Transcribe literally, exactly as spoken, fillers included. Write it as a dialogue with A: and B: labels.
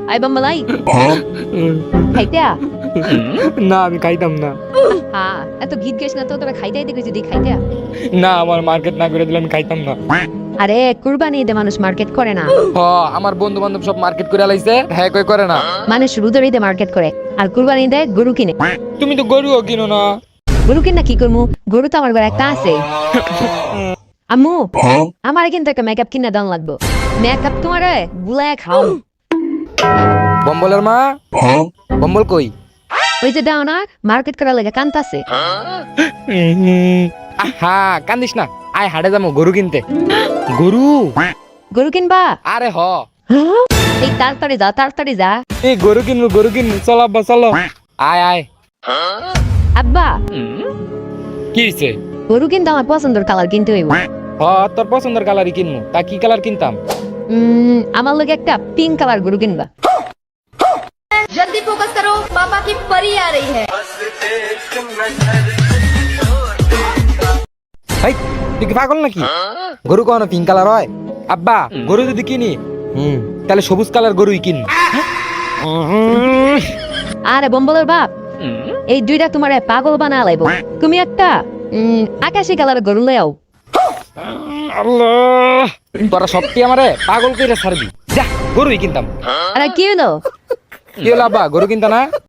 A: I বাম্মালাই খাইতে আ?
B: না আমি খাইতাম না।
A: হ্যাঁ এত গীত গাইস না তো, তোরা খাইতে আইতে কইছি, দি খাইতে আ।
B: না আমার মার্কেট না করে দিলে আমি খাইতাম না।
A: আরে কুরবানি ঈদে মানুষ মার্কেট করে না,
B: হ আমার বন্ধু বান্ধব সব মার্কেট করে লাইছে, হ্যাঁ কই করে না।
A: মানুষ রোজার ঈদে মার্কেট করে আর কুরবানি ঈদে গরু কিনে।
B: তুমি তো গরুও কিনো না।
A: গরু কিনা কি করবো, গরু তো আমার ঘরে একটা আছে। আম্মু আমার কিন্তু একটা মেকআপ কিনে দাম লাগবো, মেকআপ তোমার বুলায় খাও।
B: বম্বলের মা, বম্বল কই?
A: ওই যে দাও না মার্কেট করার লাগে কান্তাছে।
B: আহা কান্দিস না, আয় হাটে যাবো গরু কিনতে। গরু?
A: গরু কিনবা?
B: আরে হ
A: এই তাড়াতাড়ি যা, তাড়াতাড়ি যা।
B: এই গরু কিনবো, গরু কিনবো, চল আব্বা চলো। আয় আয়।
A: আব্বা
B: কি হইছে?
A: গরু কিন্তু আমার পছন্দের কালার কিনতে হইব।
B: হ তোর পছন্দের কালারই কিনবো, তা কি কালার কিনতাম?
A: উম, আমার লগে একটা পিঙ্ক কালার গরু কিনবা।
C: जल्दी फोकस करो, पापा की परी आ रही है।
B: ভাই তুই কি পাগল নাকি? গরু কখনো পিঙ্ক কালার হয়? আব্বা গরু যদি কিনি হুম তাহলে সবুজ কালার গরুই কিন।
A: আরে বম্বলের বাপ, এই দুইটা তোমার পাগল বানা লাইব। তুমি একটা উম, আকাশি কালার গরু লয়াও।
B: আল্লাহ তোরা সত্যি আমারে পাগল কইরা ছাড়বি। যা গরুই কিনতাম।
A: আরে কি হলো?
B: কি হলো আব্বা, গরু কিনতা না?